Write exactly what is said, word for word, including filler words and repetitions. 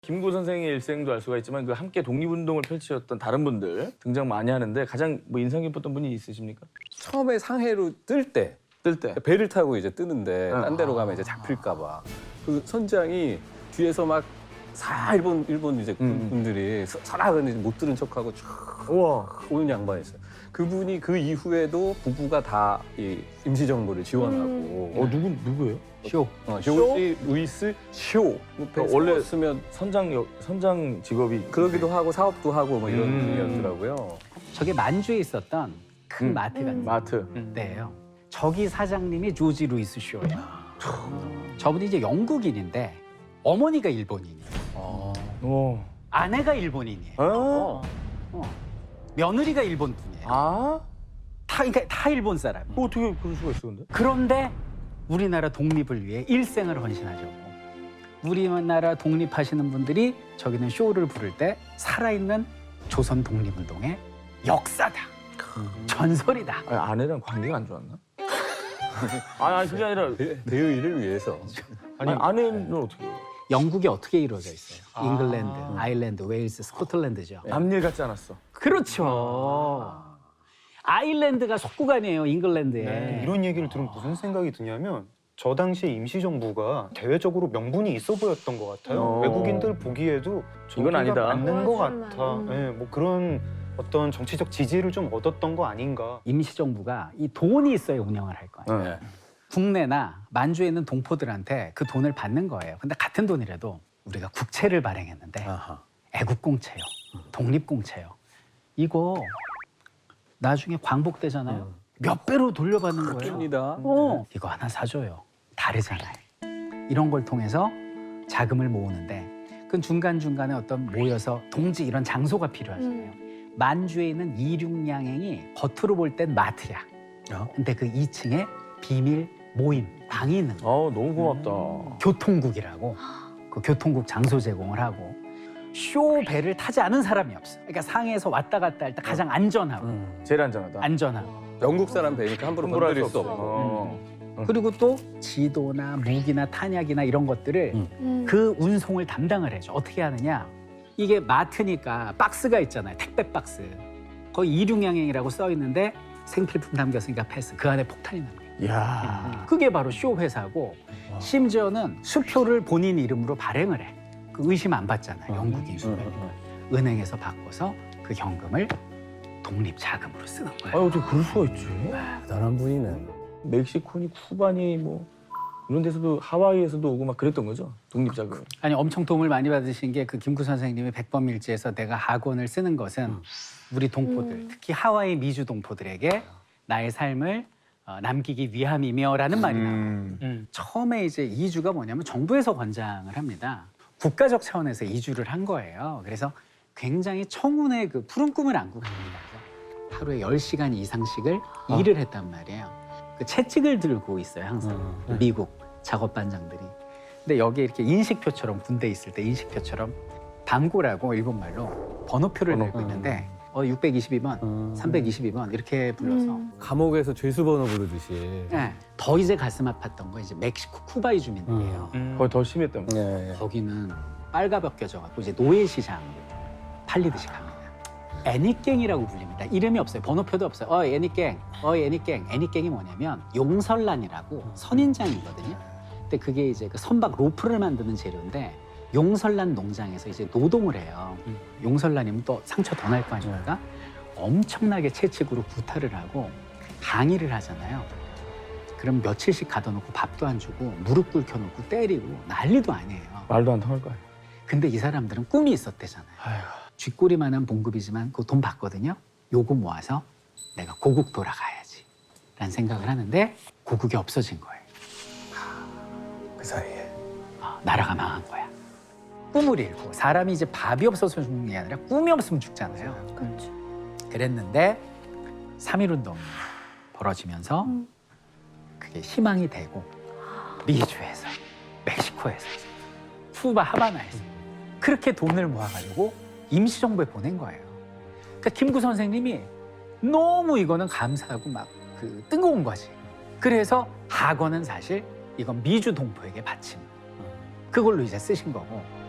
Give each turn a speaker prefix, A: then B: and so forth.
A: 김구 선생의 일생도 알 수가 있지만 그 함께 독립운동을 펼치셨던 다른 분들 등장 많이 하는데 가장 뭐 인상 깊었던 분이 있으십니까?
B: 처음에 상해로 뜰 때
A: 뜰 때.
B: 배를 타고 이제 뜨는데
A: 아.
B: 딴 데로 가면 이제 잡힐까 봐. 그 선장이 뒤에서 막 사 일본 일본 이제
A: 음.
B: 분들이 서라 근데 못 들은 척하고 쭉
A: 우와.
B: 오는 양반이 있어요. 그분이 그 이후에도 부부가 다 이 임시정부를 지원하고.
A: 어 누구 누구예요?
B: 쇼. 어, 조지 루이스 쇼.
A: 어, 원래
B: 쓰면
A: 선장 역- 선장 직업이
B: 그러기도 하고 사업도 하고 뭐 이런
A: 음.
B: 분이었더라고요.
C: 저게 만주에 있었던 큰
A: 음.
C: 마트가 있어요.
A: 마트.
C: 데예요. 저기 사장님이 조지 루이스 쇼예요. 저분이 이제 영국인인데 어머니가 일본인이에요.
B: 어.
A: 어.
C: 아내가 일본인이에요.
A: 어.
C: 어. 며느리가 일본 분이에요.
A: 아?
C: 다 그러니까 다 일본 사람.
A: 뭐 어떻게 그럴 수가 있어 근데?
C: 그런데 우리나라 독립을 위해 일생을 헌신하셨고 우리나라 독립하시는 분들이 저기는 쇼를 부를 때 살아있는 조선 독립운동의 역사다. 전설이다.
A: 아니, 아내랑 관계가 안 좋았나? 아니, 아니 그게 아니라
B: 대- 대의를 위해서.
A: 아니 아내는 어떻게 해요?
C: 영국이 어떻게 이루어져 있어요?
A: 아.
C: 잉글랜드, 아일랜드, 웨일스, 스코틀랜드죠.
A: 남일 같지 않았어.
C: 그렇죠. 아일랜드가 속구간이에요, 잉글랜드에.
D: 네, 이런 얘기를 들으면 무슨 생각이 드냐면 저 당시 임시정부가 대외적으로 명분이 있어 보였던 것 같아요.
A: 어.
D: 외국인들 보기에도
A: 이건 아니다.
D: 맞는 것
E: 맞아,
D: 같아.
E: 맞아.
D: 네, 뭐 그런 어떤 정치적 지지를 좀 얻었던 거 아닌가.
C: 임시정부가 이 돈이 있어야 운영을 할 거예요.
A: 네.
C: 국내나 만주에 있는 동포들한테 그 돈을 받는 거예요. 근데 같은 돈이라도 우리가 국채를 발행했는데
B: 아하.
C: 애국공채요, 독립공채요. 이거 나중에 광복되잖아요. 몇 배로 돌려받는 거예요.
B: 줍니다.
C: 어, 이거 하나 사줘요. 다르잖아요. 이런 걸 통해서 자금을 모으는데 그 중간중간에 어떤 모여서 동지 이런 장소가 필요하잖아요. 만주에 있는 이륙양행이 겉으로 볼 땐 마트야.
B: 어?
C: 근데 그 이 층에 비밀 모임, 방이 있는 거예요.
A: 어 너무 고맙다.
C: 교통국이라고. 그 교통국 장소 제공을 하고 쇼 배를 타지 않은 사람이 없어. 그러니까 상해에서 왔다 갔다 할 때 가장 안전하고
B: 음.
A: 제일 안전하다.
C: 안전하고.
B: 영국 사람 배니까 함부로
A: 함부로 할
B: 건드릴
A: 수
B: 수
A: 없어.
B: 없고.
A: 어.
C: 그리고 또 지도나 무기나 탄약이나 이런 것들을
B: 음.
C: 그 운송을 담당을 해줘. 어떻게 하느냐? 이게 마트니까 박스가 있잖아요. 택배 박스. 거기 이륙양행이라고 써 있는데 생필품 담겼으니까 패스. 그 안에 폭탄이 나는 거예요.
A: 이야.
C: 그게 바로 쇼 회사고 심지어는 수표를 본인 이름으로 발행을 해. 그 의심 안 받잖아요. 영국인 수표. 은행에서 바꿔서 그 현금을 독립 자금으로 쓰는
A: 아
C: 거예요.
A: 어떻게 그럴 수가 있지?
B: 대단한 분이네.
A: 멕시코니 쿠바니 뭐 이런 데서도 하와이에서도 오고 막 그랬던 거죠? 독립자금.
C: 아니 엄청 도움을 많이 받으신 게 그 김구 선생님이 백범일지에서 내가 학원을 쓰는 것은 우리 동포들,
E: 음.
C: 특히 하와이 미주 동포들에게 나의 삶을 어, 남기기 위함이며라는 말이 나와요. 음. 처음에 이제 이주가 뭐냐면 정부에서 권장을 합니다. 국가적 차원에서 이주를 한 거예요. 그래서 굉장히 청운의 그 푸른 꿈을 안고 갑니다. 그래서 하루에 열 시간 이상씩을
A: 아.
C: 일을 했단 말이에요. 그 채찍을 들고 있어요, 항상.
B: 음.
C: 미국 작업반장들이. 근데 여기 이렇게 인식표처럼 군대 있을 때 인식표처럼 밤고라고 일본말로 번호표를
A: 번호.
C: 들고 있는데 어, 육백이십이 번,
B: 음.
C: 삼백이십이 번 이렇게 불러서
E: 음.
B: 감옥에서 죄수번호 부르듯이.
C: 네. 더 이제 가슴 아팠던 거 이제 멕시코 쿠바이 주민들이에요.
D: 음.
A: 거의 더 심했던 거.
B: 네.
C: 거기는 빨가벗겨져갖고 이제 노예시장 팔리듯이 갑니다. 애니깽이라고 불립니다. 이름이 없어요. 번호표도 없어요. 어 애니깽, 어 애니깽. 애니깽이 뭐냐면 용설란이라고 선인장이거든요. 근데 그게 이제 그 선박 로프를 만드는 재료인데 용설란 농장에서 이제 노동을 해요. 용설란이면 또 상처 더 날 거 아닙니까? 엄청나게 채찍으로 구타를 하고 항의를 하잖아요. 그럼 며칠씩 가둬놓고 밥도 안 주고 무릎 꿇혀놓고 때리고 난리도 아니에요.
A: 말도 안 통할 거야.
C: 근데 이 사람들은 꿈이 있었대잖아요.
A: 아이고.
C: 쥐꼬리만한 봉급이지만 그 돈 받거든요. 요거 모아서 내가 고국 돌아가야지 라는 생각을 하는데 고국이 없어진 거예요.
B: 그 사이에.
C: 아, 나라가 망한 거야. 꿈을 잃고 사람이 이제 밥이 없어서 죽는 게 아니라 꿈이 없으면 죽잖아요.
E: 그렇죠.
C: 그랬는데 삼일운동이 벌어지면서
E: 음.
C: 그게 희망이 되고 미주에서 멕시코에서 쿠바 하바나에서 그렇게 돈을 모아가지고 임시정부에 보낸 거예요. 그러니까 김구 선생님이 너무 이거는 감사하고 막 그 뜨거운 거지. 그래서 학원은 사실 이건 미주 동포에게 바친 그걸로 이제 쓰신 거고